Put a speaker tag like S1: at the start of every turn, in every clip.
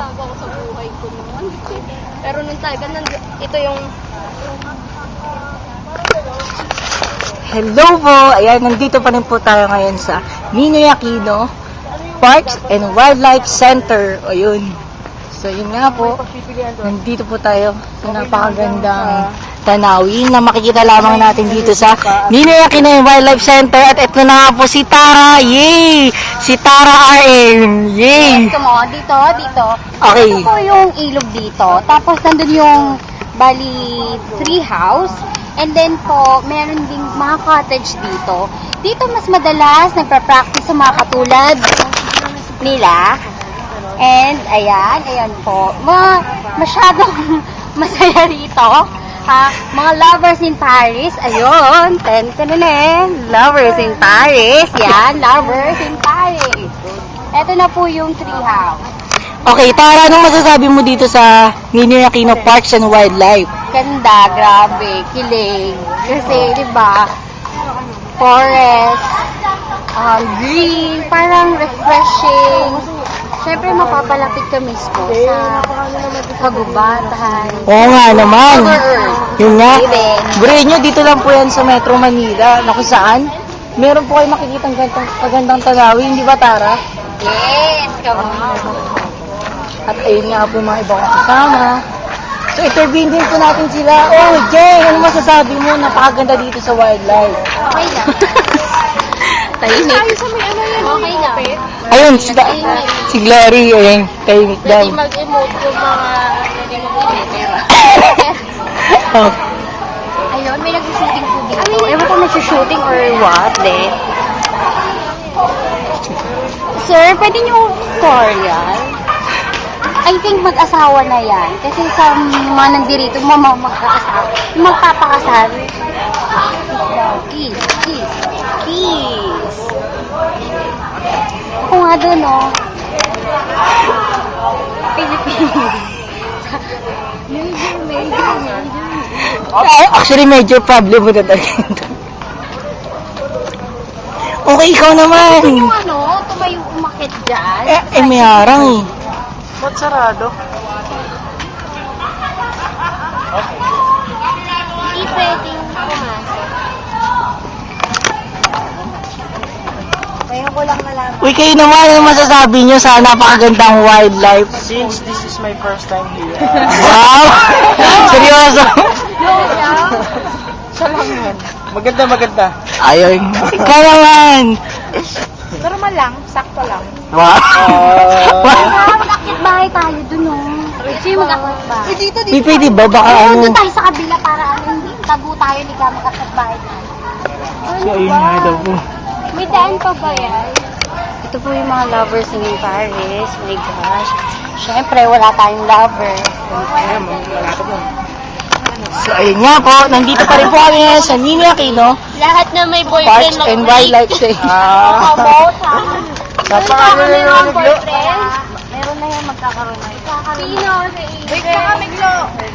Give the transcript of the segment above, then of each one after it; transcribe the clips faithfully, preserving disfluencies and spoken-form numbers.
S1: nagbago ako sa buhay ko noon. Pero nung talaga, nand- ito yung...
S2: Hello po! Ayan, nandito pa rin po tayo ngayon sa Ninoy Aquino Parks and Wildlife Center. O yun. So yun nga po, nandito po tayo sa napakagandang tanawin na makikita lamang natin dito sa Ninoy Aquino Wildlife Center. At ito na nga po si Tara. Yay! Si Tara R M. Yay!
S3: Ito mo, dito, dito.
S2: Okay.
S3: Ito po yung ilog dito. Tapos nandun yung bali tree house. And then po, meron ding mga cottage dito. Dito mas madalas nagpa-practice sa mga katulad nila. And ayan, ayan po. Mga masyadong masaya rito. Ha? Mga lovers in Paris. Ayun. Ten, ten, ten. Lovers in Paris. Yan, lovers in Paris. Ito na po yung tree house.
S2: Okay, Tara, anong masasabi mo dito sa Ninoy Aquino Parks and Wildlife?
S3: Ganda, grabe, kilig. Kasi, di ba, forest, um, green, parang refreshing. Siyempre, mapapalapit ka mismo sa kagubatan.
S2: Oo nga naman. Yun nga.
S3: Baby.
S2: Bro nyo, dito lang po yan sa Metro Manila, na kung saan meron po kayo makikitang gantang, magandang tanawin, di ba, Tara?
S3: Yes, come on.
S2: At ayun nga po yung mga ibang kasama. So, intervene din po natin sila. Oh, Jay, ano masasabi mo? Napakaganda dito sa wildlife.
S3: Okay na. Tahimik. Okay na.
S2: Ayun, si, si Glory, ayun, tahimik daw.
S1: Pwede mag-emote yung mga... Pwede mag-emote.
S2: Oh.
S3: Ayun, may nag-shooting po dito. Ewan ko nag-shooting or what, de. Sir, pwede niyo tutorial? I think mag-asawa na yan. Kasi sa mga nandirito, mama mag-aasawa. Magpapakasal. Kiss, kiss, kiss. Ako nga doon, oh. Philippines. Major, major, major.
S2: Ay, actually, major problem mo na talaga. Okay, ikaw naman.
S3: Ito yung ano, tumayo umakit dyan.
S2: Eh, eh may harang eh.
S4: Ba't sarado?
S1: Hindi pwedeng pumasok.
S3: Ngayon ko lang nalaman.
S2: Uy, kayo naman, ano masasabi nyo sa napakagandang wildlife?
S4: Since this is my first time here,
S2: Wow! Seryoso?
S4: siya lang yan. Maganda, maganda.
S2: Ayun. Ikaw naman.
S3: Normal lang, sakto lang.
S2: Wow.
S3: Ah, mag-akit bahay tayo dun, oh. Kasi mag-akit bahay. Dito,
S2: Di pwede ba? Baka
S3: Oo,
S2: ano?
S3: doon tayo sa kabila para ano, hindi tago tayo, hindi ka mag-akit bahay tayo.
S2: So, ayun nga daw po.
S3: May daan pa ba yan? Ito po yung mga lovers in Paris. My gosh. Siyempre, wala tayong lover.
S2: So, ayun nga po. Nandito pa rin po kami ngayon sa Ninoy Aquino
S1: Lahat na may
S2: Parks
S1: boyfriend
S2: and Wildlife Day.
S4: Ah,
S3: About, ha?
S4: napakano na yung naglo.
S3: Meron na yan, magkakaroon na yun.
S1: Sino?
S3: Wait ka kami, Glo.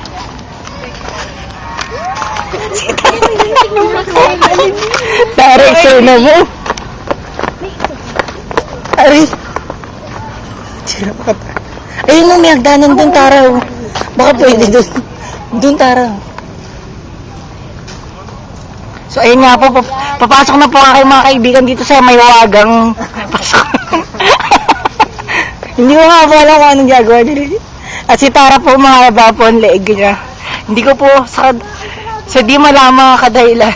S2: Tara, sir na mo. Tara. Sira pa ka. Ayun na, may hagdanan dun, Tara. oh. Baka pwede dun. Dun, Tara. So, ayun nga po, pap- papasok na po ang aking mga kaibigan dito sa may wagang pasok. Hindi ko nga po alam kung anong gagawa nila. At si Tara po, mahaba po ang leeg niya. Hindi ko po sa, sa di malama kadahilan.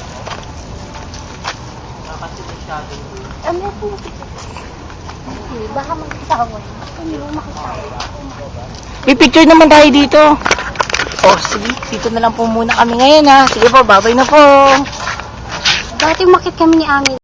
S3: Ano po? Baka magkitawa. Hindi mo makitawa.
S2: May picture naman tayo dito. Oh, sige. Dito na lang po muna kami ngayon ha. Sige po, babay na po.
S3: Dati umakit kami ni Ami.